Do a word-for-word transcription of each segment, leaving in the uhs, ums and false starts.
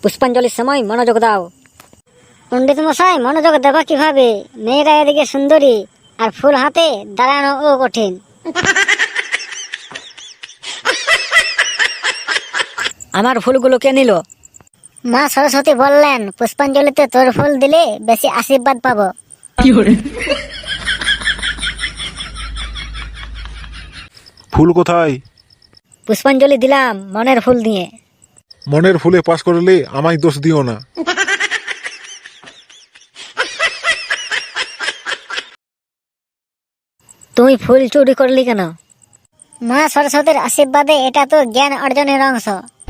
পুষ্পাঞ্জলির সময় মনোযোগ দাও। পণ্ডিত মশাই, মনোযোগ দেবা কিভাবে? মেয়েরা এদিকে সুন্দরী আর ফুল হাতে দাঁড়ানো ও কঠিন। আমার ফুলগুলো কে নিল? মা সরস্বতী বললেন পুষ্পাঞ্জলিতে তোর ফুল দিলে বেশি আশীর্বাদ পাবো। ফুল কোথায়? পুষ্পাঞ্জলি দিলাম মনের ফুল দিয়ে। মনের ফুলে পাস করলে আমায় দোষ দিও না। তুমি ফুল চুরি করলি কেন? মা সরস্বতীর আশীর্বাদে এটা তো জ্ঞান অর্জনের অংশ।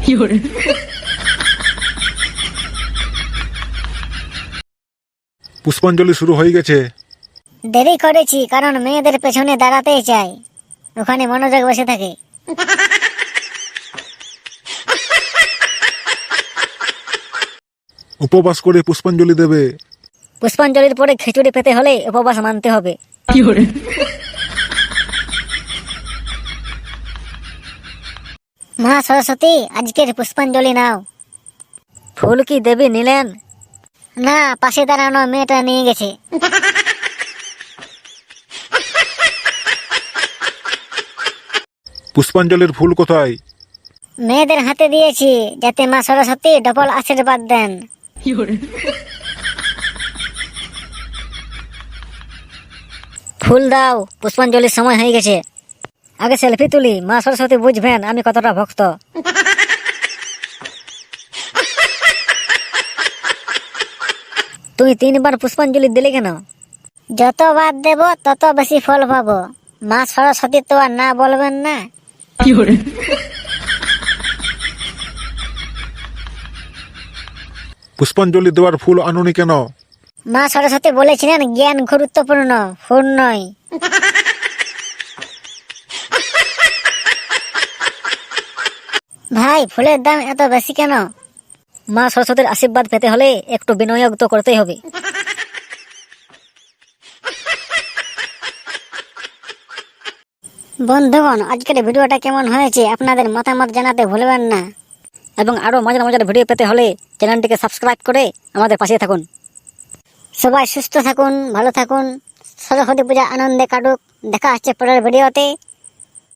পুষ্পাঞ্জলি শুরু হয়ে গেছে। দেরি করেছি কারণ মেয়েদের পেছনে দাঁড়াতেই চাই, ওখানে মনোযোগ বসে থাকে। উপবাস করে পুষ্পাঞ্জলি দেবে। পুষ্পাঞ্জলির পরে খিচুড়ি পেতে হলে উপবাস মানতে হবে। মা সরস্বতী, আজকের পুষ্পাঞ্জলি নাও। ফুল কি দেবী নিলেন? না, পাশে দাঁড়ানো মেয়েটা নিয়ে গেছে। পুষ্পাঞ্জলির ফুল কোথায়? মেয়েদের হাতে দিয়েছি যাতে মা সরস্বতী ডবল আশীর্বাদ দেন। ফুল দাও, পুষ্পাঞ্জলির সময় হয়ে গেছে। আগে সেলফি তুলি, মা সরস্বতী বুঝবেন আমি কতটা ভক্ত। তুমি তিনবার পুষ্পাঞ্জলি দিলে কেন? যতবার দেব তত বেশি ফল পাবো। মা সরস্বতী তো আর না বলবেন না। পুষ্পাঞ্জলি দেওয়ার ফুল আনুনি কেন? মা সরস্বতী বলেছিলেন জ্ঞান গুরুত্বপূর্ণ, ফুল নয়। ভাই, ফুলের দাম এত বেশি কেন? মা সরস্বতীর আশীর্বাদ পেতে হলে একটু বিনিয়োগ তো করতেই হবে। বন্ধুগণ, আজকের ভিডিওটা কেমন হয়েছে আপনাদের মতামত জানাতে ভুলবেন না, এবং আরো মজার মজার ভিডিও পেতে হলে চ্যানেলটিকে সাবস্ক্রাইব করে আমাদের পাশে থাকুন। সবাই সুস্থ থাকুন, ভালো থাকুন, সরস্বতী পূজা আনন্দে কাটুক। দেখা হচ্ছে পরের ভিডিওতে।